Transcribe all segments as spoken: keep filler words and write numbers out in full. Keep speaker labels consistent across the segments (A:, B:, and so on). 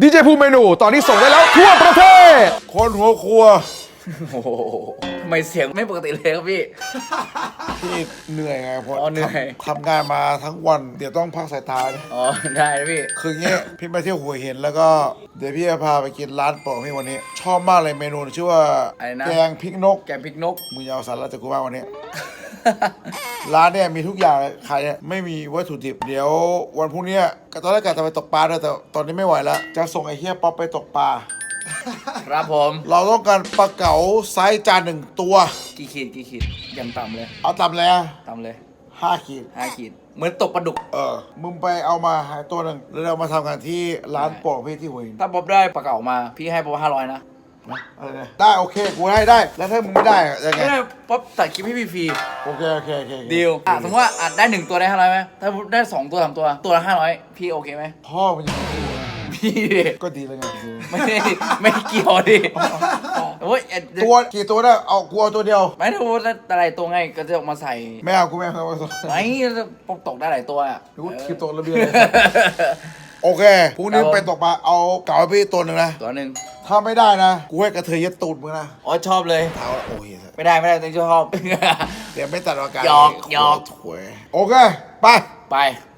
A: ดีเจภูมิเมนูตอนนี้ส่งได้แล้วทั่วประเทศคนหัวครัว
B: โอ้โหทำไมเสียงไม่ปกติเลยครับพี่
A: พี่เหนื่อยไงเพราะ
B: อ๋อเหนื่อย
A: ทำงานมาทั้งวันเดี๋ยวต้องพักสายตา
B: อ๋อได้พี่
A: คือเงี้ยพี่ไปเที่ยวหัวหินแล้วก็เดี๋ยวพี่จะพาไปกินร้านโปรดพี่วันนี้ชอบมากเลยเมนูชื่อว่าแกงพริกนก
B: แกงพริกนก
A: มึงเอาสาระจากกูบ้างวันนี้ ร้านเนี่ยมีทุกอย่างเลยขายเนี่ยไม่มีวัตถุดิบเดี๋ยววันพรุ่งนี้ตอนแรกกะจะไปตกปลาด้วยแต่ตอนนี้ไม่ไหวแล้วจะส่งไอ้เฮียป๊อปไปตกปลา
B: ครับผม
A: เราต้องการปลาเก๋าไซส์จานหนึ่งตัว
B: กี่ขีดกี่ขีดยังต่ำเลย
A: เอาต่ำเลย
B: ต่ำเลย
A: ห้าขีด
B: ห้าขีดเหมือนตกปลาดุก
A: เออมึงไปเอามาหายตัวหนึ่งแล้วเรามาทำกันที่ร้านโปรดพี่ที่หัวหิน
B: ถ้าป๊อปได้ปลาเก๋ามาพี่ให้ป๊อปห้าร้อยนะ
A: อะไรนะได้โอเคกูให้ได้แล้วถ้ามึงไม่ได้ยังไง
B: ไม่ได้ป๊อปตัดคลิปให้พี่ฟรี
A: โอเคโอเคโอเค
B: ดีลอ่ะสมมติว่าอ่ะได้หนึ่งตัวได้ห้าร้อยไหมถ้าได้สองตัวสามตัวตัวละห้าร้อยพี่โอเคไหม
A: พ่อมันยัง
B: พี่
A: ก็ดีแล้วไง
B: ไม่ไม่เกี่ยวดิโอ้ย
A: ตัวกี่ตัวได้เอากูเอาตัวเดียว
B: ไม่ถ้าพูดอะไรตัวไงก็จะออกมาใส่
A: ไม่เอากูไม่เอา
B: ไม่ปกตกได้หลายตัวอ่ะ
A: กูคลิปตกระเบียงโอเคพรุ่งนี้ไปตกปลาเอาเก๋าพี่ตัวหนึ่งนะ
B: ตัวหนึ่ง
A: ถ้าไม่ได้นะกูให้กระเทยยัดตูดมึงนะ
B: อ๋อชอบเลย
A: เท้าโอ้ย
B: ไม่ได้ไม่ได้ต้องชอบ
A: เดี๋ยวไม่ตัดอากาศ
B: หยอกหยอก
A: ถวยโอเคไป
B: ไป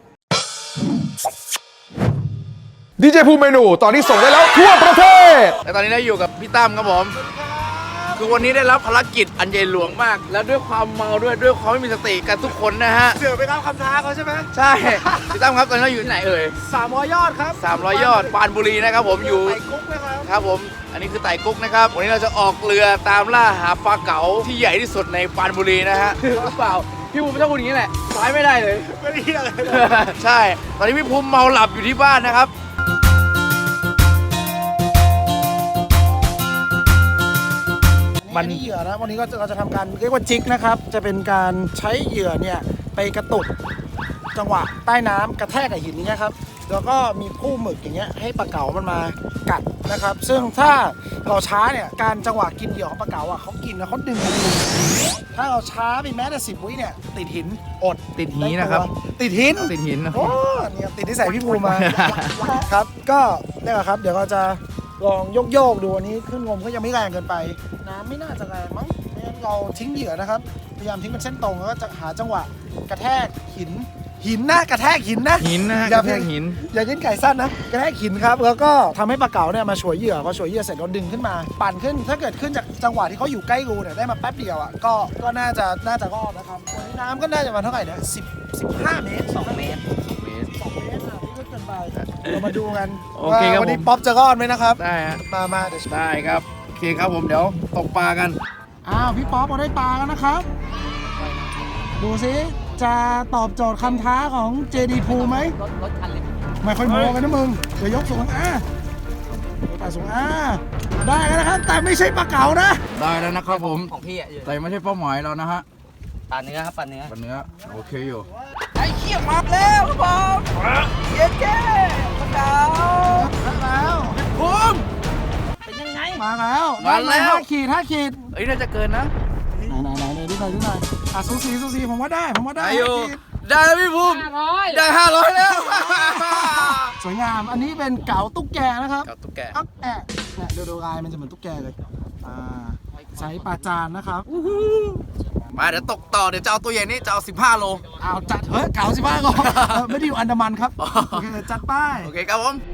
A: ดีเจภูมิเมนูตอนนี้ส่งได้แล้วทั่วประเทศ
B: และตอนนี้เราอยู่กับพี่ตั้มครับผมคือวันนี้ได้รับภารกิจอันใหญ่หลวงมากแล้วด้วยความเมาด้วยด้วยความไม่มีสติกันทุกคนนะฮะ
C: เสือไปตามคำท้าเขาใช่ไหม
B: ใช่พี่ตั้มครับตอนนี้เราอยู่ที่ไหนเอ่ย
C: สามร้อยยอดครับ
B: สามร้อยยอดปรานบุรีนะครับผมอยู่
C: ไต่กุ๊กนะครับ
B: ครับผมอันนี้คือไต่กุ๊กนะครับวันนี้เราจะออกเรือตามล่าหาปลาเก๋าที่ใหญ่ที่สุดในปรานบุรีนะฮะหรือเปล่าพี่ภูมิชอบพูดอย่างนี้แหละซ้ายไม่ได้เลย
C: ไม่ได้อะไร
B: ใช่ตอนนี้พี่ภูมิเมาหลับอยู่ที่บ้านนะครับ
C: มันเหยื่อนะวันนี้ก็เราจะทำการเรียกว่าจิกนะครับจะเป็นการใช้เหยื่อเนี่ยไปกระตุกจังหวะใต้น้ำกระแทกกับหินนี้ครับแล้วก็มีผู้หมึกอย่างเงี้ยให้ปลาเก๋ามันมากัดนะครับซึ่งถ้าเราช้าเนี่ยการจังหวะกินเหยื่อของปลาเก๋าอ่ะเขากินแล้วเขาดึงถ้าเราช้าไปแม้แต่สิบวิเนี่ยติดหินอด
B: ติดหินนะครับ
C: ติดหิน
B: ติดหิน
C: โอ้เนี่ยติดที่ใส่พี่ภูมิมาครับก็นี่แหละครับเดี๋ยวเราจะลองโยกโยกดูอันนี้ขึ้นงมก็ยังไม่แรงเกินไปน้ำไม่น่าจะแรงมั้งไม่งั้นเราทิ้งเหยื่อนะครับพยายามทิ้งเป็นเส้นตรงแล้วก็จะหาจังหวะกระแทกหินหินนะกระแทกหินนะ
B: หินนะ
C: อย่
B: ากระแทกหิน
C: อย่ากินไก่สั้นนะกระแทกหินครับแล้วก็ทำให้ปลาเก๋าเนี่ยมาฉวยเหยื่อพอฉวยเหยื่อเสร็จเราดึงขึ้นมาปั่นขึ้นถ้าเกิดขึ้นจากจังหวะที่เขาอยู่ใกล้รูเนี่ยได้มาแป๊บเดียวอ่ะก็ก็น่าจะน่าจะรอดนะครับวันนี้น้ำก็น่าจะมาเท่าไหร่เนี่ยสิบสิบห้าเมตรสองเมตรสองเมตรอ่ะนี่ก็เกินไปเรามาดูกันว่าวันนี้ป๊อปจะรอดไหมนะครับ
B: ได้ฮะ
C: มามาเดี๋ยว
B: ได้ครับโอเคครับผมเดี๋ยวตกปลากัน
C: อ้าวพี่ป๊อปเราได้ปลาแล้วนะครับดูซิจะตอบโจทย์คำท้าของ เจ ดี Pool ไหมรถรถคันเล็กไม่ค่อยโม้กันนะมึงเดี๋ยวยกสูงอ่ะปลาสูงอ่ะได้แล้วนะครับแต่ไม่ใช่ปลาเก๋านะ
B: ได้แล้วนะครับผม
D: ของพี่อ่ะ
B: แต่ไม่ใช่เป้าหมายเรานะฮะ
D: ปลาเนื้อครับปลาเนื้อ
B: ปลาเนื้อโอเคอยู่
D: ไอ้เขี้ยวมาแล้วครับผมเย้แก่ปลาเก๋า
C: มาแล้ว
B: ภูมิ
D: เป็นยังไง
C: มาแล้ว
B: มาแล้ว
C: ห้าขีดห้าขีด
B: เอ้ยน่าจะเกินนะ
C: ไหนไหนไหนไหนดูหน่อยดูหน่อยอ่ะสูสีสูสีผมว่าได้ผมว่าได้
B: อยู่ได้แล้วพี่ภูมิได้ห้าร้อยแล้ว
C: สวยงามอันนี้เป็นเก๋าตุ๊กแกนะครับ
B: เก๋าตุ๊กแก
C: อักแอะเนี่ยดูดูลายมันจะเหมือนตุ๊กแกเลยอ่าใช้ปลาจานนะครับ
B: มาเดี๋ยวตกต่อเดี๋ยวจะเอาตัวใหญ่นี้จะเอาสิบห้าโล
C: เอาจัดเฮ้ยเก๋าสิบห้าโลไม่ได้อยู่อันดามันครับโอเคจัดไป
B: โอเคครับผม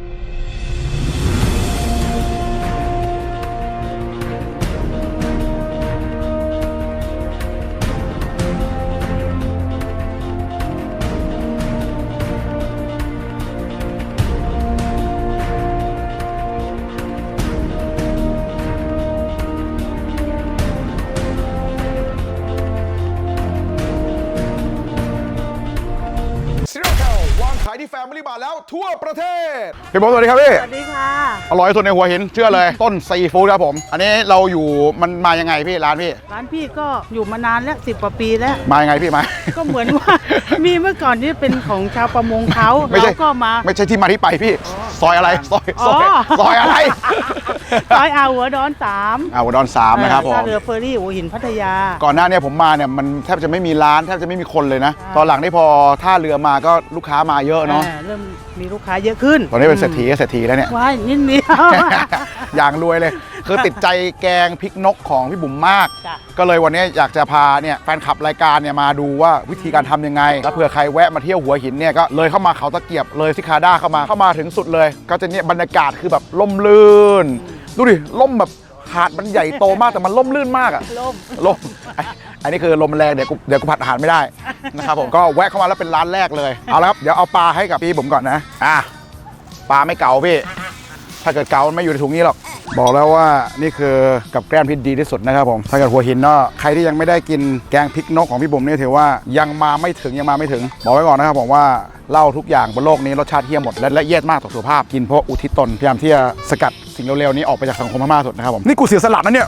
A: ขายที่แฟมิลี่บาร์แล้วทั่วประเทศพี่บอสสวัสดีครับพี่
E: สวัสดีค่ะ
A: อร่อยสุดในหัวหินเชื่อเลยต้นซีฟู้ดครับผมอันนี้เราอยู่มันมายังไงพี่ร้านพี่
E: ร้านพี่ก็อยู่มานานแล้วสิบกว่าปีแล้ว
A: มายังไงพี่มา
E: ก็เหมือนว่ามีเมื่อก่อนนี่เป็นของชาวประมงเขาเราก็มา
A: ไม่ใช่ที่มาที่ไปพี่ซอยอะไรซอยซอยซอยอะไร
E: ซอยอ่าวหัวดอนสาม
A: อ่าวหัวดอนสามนะครับผม
E: ท่าเรือเฟอร์รี่หัวหินพัทยา
A: ก่อนหน้านี้ผมมาเนี่ยมันแทบจะไม่มีร้านแทบจะไม่มีคนเลยนะตอนหลังนี่พอท่าเรือมาก็ลูกค้ามาเยอะเนาะ
E: เออเริ่มมีลูกค้าเยอะขึ้น
A: ตอนนี้เป็นเศรษฐีก็เศรษฐีแล้วเนี่ย
E: ว้ายนิดเดียว
A: อย่างรวยเลย คือติดใจแกงพริกนกของพี่บุ๋มมาก
E: จ้ะ
A: ก็เลยวันนี้อยากจะพาเนี่ยแฟนคลับรายการเนี่ยมาดูว่าวิธีการทำยังไงแล้วเผื่อใครแวะมาเที่ยวหัวหินเนี่ยก็เลยเข้ามาเขาตะเกียบเลยซิคาด้าเข้ามาเข้ามาถึงสุดเลย ก็จะเนี่ยบรรยากาศคือแบบล่มลื่น ดูดิล่มแบบหาดมันใหญ่โตมากแต่มันล่มลื่นมากอะ
E: ล่ม
A: ลมไอ้อันนี้คือลมแรงเดี๋ยวกูเดี๋ยวกูผัดอาหารไม่ได้นะครับผมก็แวะเข้ามาแล้วเป็นร้านแรกเลยเอาละครับเดี๋ยวเอาปลาให้กับพี่ผมก่อนนะอ่ะปลาไม่เก๋าพี่ถ้าเกิดเก๋ามันไม่อยู่ในถุงนี้หรอกบอกแล้วว่านี่คือกับแกล้มที่ดีที่สุดนะครับผมถ้าเกิดหัวหินเนาะใครที่ยังไม่ได้กินแกงพริกนกของพี่บุ๋มนี่ถือว่ายังมาไม่ถึงยังมาไม่ถึงบอกไว้ก่อนนะครับผมว่าเหล้าทุกอย่างบนโลกนี้รสชาติเฮี้ยหมดและละเอียดมากต่อสุขภาพกินเพราะอุทิศตนพยายามที่จะสกัดสิ่งเร็วๆนี้ออกไปจากสังคมให้มากที่สุดนะครับผมนี่กูเสียสละนะเนี่ย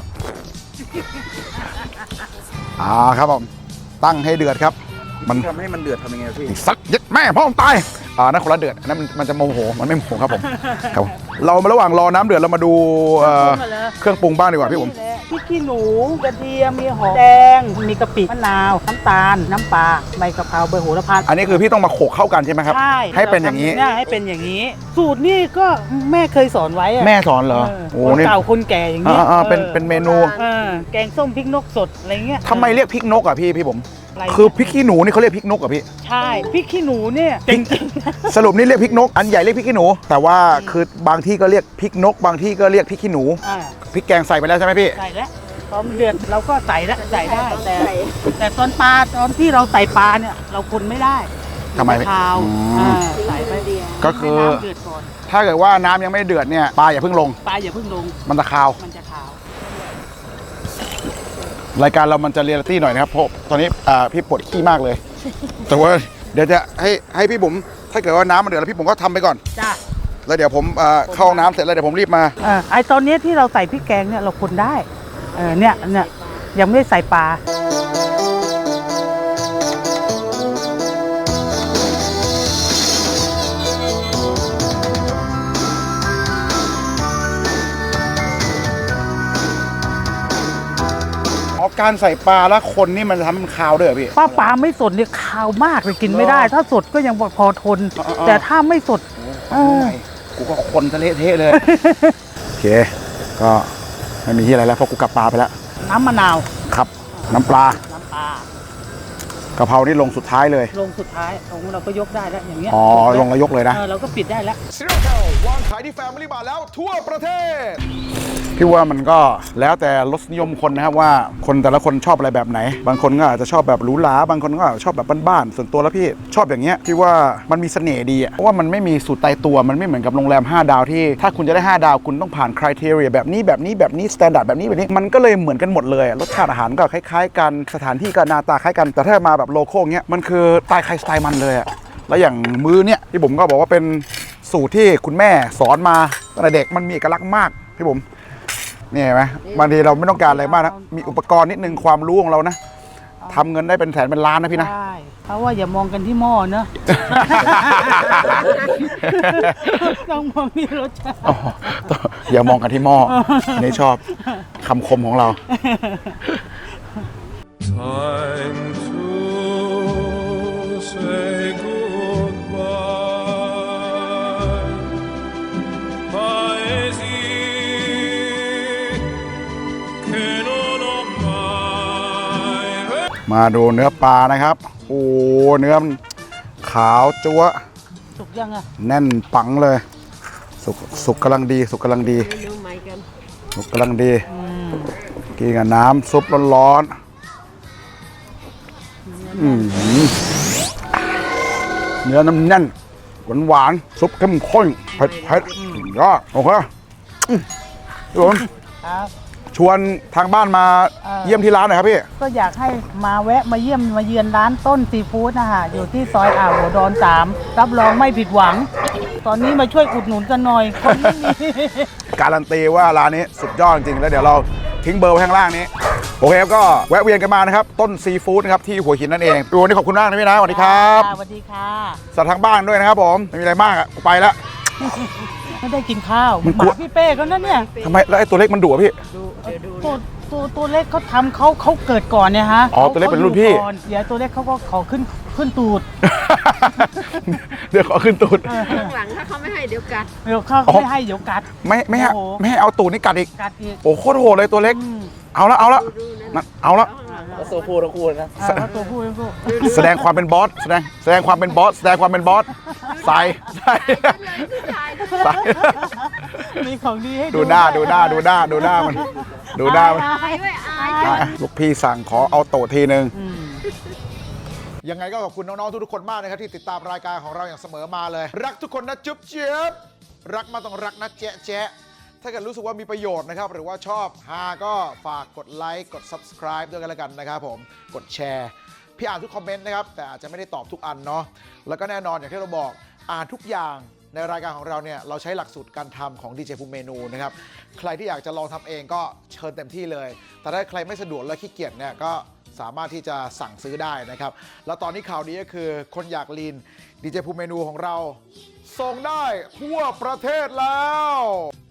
A: อ่าครับผมตั้งให้เดือดครับมัน
B: ทำให้มันเดือดทำยังไงพี่
A: สักยัดแม่พ่อผมตายอ่านั่นคนละเดือดอันนั้นมันมันจะโมโหมันไม่โมโหครับผมครับเรามาระหว่างรอน้ำเดือดเรามาดูเอ่อเครื่องปรุงบ้างดีกว่าพี่ผม
E: นี่แหละพริกขี้หนูกระเทียมมีหอมแดงมีกะปิมะนาวน้ำตาลน้ำปลาใบกะเพราใบโหระพา
A: อันนี้คือพี่ต้องมาโขกเข้ากันใช่ไหมครับ
E: ใช่
A: ให้เป็นอย่างนี้
E: นี้ให้เป็นอย่างนี้ สูตรนี่ก็แม่เคยสอนไว้อะ
A: แม่สอนเหรอ
E: เออ
A: โอ้
E: คน
A: นี่
E: เก่าคนแก่อย่างนี้
A: อ่าๆเป็น
E: ออ
A: เป็นเมนู
E: เออแกงส้มพริกนกสดอะไรเงี้ย
A: ทำไมเรียกพริกนกอ่ะพี่พี่ผม
E: อะไร
A: คือพริกขี้หนูนี่เขาเรียกพริกนกอ่ะพี่
E: ใช่พริกขี้หนูเนี่ยจริงๆ
A: สรุปนี่เรียกพริกนก อันใหญ่เรียกพริกขี้หนู แต่ว่าคือบางที่ก็เรียกพริกนก บางที่ก็เรียกพริกขี้หนู
E: อ่า
A: พริกแกงใส่ไปแล้วใช่ไหมพี่
E: ใส่แล้วพอมันเดือดเราก็ใส่แล้วใส่ได้แต่แต่ตอนปลาตอนที่เราใส่ปลาเนี่ยเราคนไม่ได้
A: ทำไม
E: นคาว
A: อืม
E: อ่าใส่ไปเดียว
A: ก็คือ
E: ให้น้ำเดือดก่อน
A: ถ้าเกิดว่าน้ำยังไม่เดือดเนี่ยปลาอย่าเพิ่งลง
E: ปลาอย่าเพิ่งลง
A: มันจะคาว
E: มันจะขาว
A: รายการเรามันจะเรียลลิตี้หน่อยนะครับเพราะตอนนี้อ่าพี่ปวดขี้มากเลย แต่ว่าเดี๋ยวจะให้ให้พี่บุ๋มถ้าเกิดว่าน้ำมันเดือดแล้วพี่บุ๋มก็ทำไปก่อน
E: จ้า
A: แล้วเดี๋ยวผมอ่าเข้าห้องน้ำเสร็จแล้วเดี๋ยวผมรีบมา
E: อ่าไอตอนเนี้ยที่เราใส่พริกแกงเนี่ยเราคนได้เออเนี่ยเนี่ยยังไม่ได้ใส่ปลา
A: อ๋อการใส่ปลาแล้วคนนี่มันจะทำให้มันคาวด้วยเหรอพี่
E: ป้าปลาไม่สดเนี่ยขาวมากเลยกินไม่ได้ ถ้าสดก็ยังพอทน
A: อ๋อๆ
E: แต่ถ้าไม่สดเออ
A: กูก็คนทะเลเทะเลย โอเค ก็ไม่มีที่อะไรแล้วเพราะกูกลับปลาไปแล้ว
E: น้ำมะนาว
A: ครับ น้ำปลา
E: น้ำปลาก
A: ะเพรานี่ลงสุดท้ายเลย
E: ลงสุดท้ายของเราก็ยกได้แล้วอย่างเงี้ย
A: อ๋อ
E: ปิด
A: ลงแล้วยกเลยนะ
E: เออเราก็ปิดได้แล้ว
A: ซีโร่แคลวางขายที่แฟมิลี่บาร์แล้วทั่วประเทศ พี่ว่ามันก็แล้วแต่รสนิยมคนนะครับว่าคนแต่ละคนชอบอะไรแบบไหน บางคนก็อาจจะชอบแบบหรูหราบางคนก็ชอบแบบบ้านๆส่วนตัวแล้วพี่ชอบอย่างเงี้ยพี่ว่ามันมีเสน่ห์ดีอะเพราะว่ามันไม่มีสูตรตายตัวมันไม่เหมือนกับโรงแรมห้าดาวที่ถ้าคุณจะได้ห้าดาวคุณต้องผ่านคุณทีเรียแบบนี้แบบนี้แบบนี้สแตนดาร์ดแบบนี้แบบนี้มันก็เลยเหมือนกันหมดเลยอะรสชาติอาหารก็คล้ายๆกันสถานที่ก็หน้าตาคล้ายกันแต่ถ้ามาแบบโลโก้เงี้ยมันคือสไตล์ใครสไตล์มันเลยอะแล้วอย่างมื้อเนี่ยพี่บุ๋มก็บอกว่าเป็นสูตรที่คุณแม่สอนมาตั้งแต่เด็กมันมีเอกลักษณ์มากพี่บุ๋มนี่เห็นไหมบางทีเราไม่ต้องการอะไรมากนะมีอุปกรณ์นิดนึงความรู้ของเรานะทำเงินได้เป็นแสนเป็นล้านนะพี่นะ
E: ใช่เพราะว่าอย่ามองกันที่หม้อเนอะ ต้องมองที่รสชาติ
A: อ๋ออย่ามองกันที่หม้ออันนี้ชอบคำคมของเรา
F: Time to say goodbye. Paesi che non ho mai
A: มาดูเนื้อปลานะครับ โอ้เนื้อมันขาวจั๊วะ
E: สุกยังอะ
A: แน่นปังเลย สุกสุกกำลังดี สุกกำลังดีสุกกำลังดี
E: อืม
A: กินกับน้ำซุปร้อนๆอืมเนื้อน้ำแน่นหวานหวานๆซุปเข้มข้นเผ็ดเผ็ดยอดโอเคอืมพี่ผม
E: ครับ
A: ชวนทางบ้านมา
E: เอ่อ
A: เยี่ยมที่ร้านหน่อยครับพี่
E: ก็อยากให้มาแวะมาเยี่ยมมาเยือนร้านต้นซีฟู้ดนะคะอยู่ที่ซอยอ่าวหัวดอนสามรับรองไม่ผิดหวัง ตอนนี้มาช่วยอุดหนุนกันหน่อยคนไม่มี
A: การันตีว่าร้านนี้สุดยอดจริงๆแล้วเดี๋ยวเราทิ้งเบอร์ไว้ข้างล่างนี้โอเคครับก็แวะเวียนกันมานะครับต้นซีฟู้ดนะครับที่หัวหินนั่นเองวันนี้ขอบคุณมากนะพี่นะสวัสดีครับ
E: สวัสดีค่ะ
A: สัตว์ทางบ้านด้วยนะครับผมไม่มีอะไรมากอ่ะกูไปแล้ว
E: ไม่ได้กินข้าว
A: มัน
E: ห
A: กลัว
E: มาพี่เป้เขานั่นเนี่ย
A: ทำไมแล้วไอ้ตัวเล็กมันดุอะพี่
E: ตัวตัวตัวเล็กเขาทำเขาเขาเกิดก่อนเนี่ยฮะ
A: อ๋อตัวเล็กเป็นรุ่นพี่
E: ขาอยู่ก่อเดี๋ยวตัวเล็กเขาก็ขอขึ้นขึ้นตูด
A: เดี๋ยวขอขึ้นตูด
G: ข้างหลังถ้าเขาไม่ให้เดี๋ยวกัด
E: เดี๋ยวเขา
A: อ๋อ
E: ไม่ให้เดี๋ยวกัด
A: ไม่ไม่ให้
E: โอ้โห
A: ไม่ให้เอาตูดนี่กัดอีก
E: กัดอีก
A: โอ้โคตรโหดเลยตัวเล็ก
E: อืม
A: เอาละเอาละ
G: ดูนั่น
A: นั่นเอาละ
B: แล้วตัวผู้ทั้งคู่เลยนะ
E: อ่าแล้วตัวผู้ตัวผู้
A: แสดงความเป็นบอสแสดงแสดงความเป็นบอสแสดงความเป็นบอสใส่ใส่
G: ถ่าย
A: ใส่
E: มีของดีให้
A: ดูหน้าดูหน้าดูหน้าดูหน้ามันดูหน้ามัน
G: ถ่ายด้วยอาย
A: อ่ะลูกพี่สั่งขอเอาโตะทีนึง
E: อืม
A: ยังไงก็ขอบคุณน้องๆทุกๆคนมากนะครับที่ติดตามรายการของเราอย่างเสมอมาเลย รักทุกคนนะจุ๊บเจี๊ยบรักมาต้องรักนะแจ๊ะแจ๊ะถ้าเกิดรู้สึกว่ามีประโยชน์นะครับหรือว่าชอบฮาก็ฝากกดไลค์กด Subscribe ด้วยกันแล้วกันนะครับผมกดแชร์พี่อ่านทุกคอมเมนต์นะครับแต่อาจจะไม่ได้ตอบทุกอันเนาะแล้วก็แน่นอนอย่างที่เราบอกอ่านทุกอย่างในรายการของเราเนี่ยเราใช้หลักสูตรการทำของดีเจภูมิเมนูนะครับใครที่อยากจะลองทำเองก็เชิญเต็มที่เลยแต่ถ้าใครไม่สะดวกและขี้เกียจเนี่ยก็สามารถที่จะสั่งซื้อได้นะครับแล้วตอนนี้ข่าวดีก็คือคนอยากลีนดีเจภูมิเมนูของเราส่งได้ทั่วประเทศแล้ว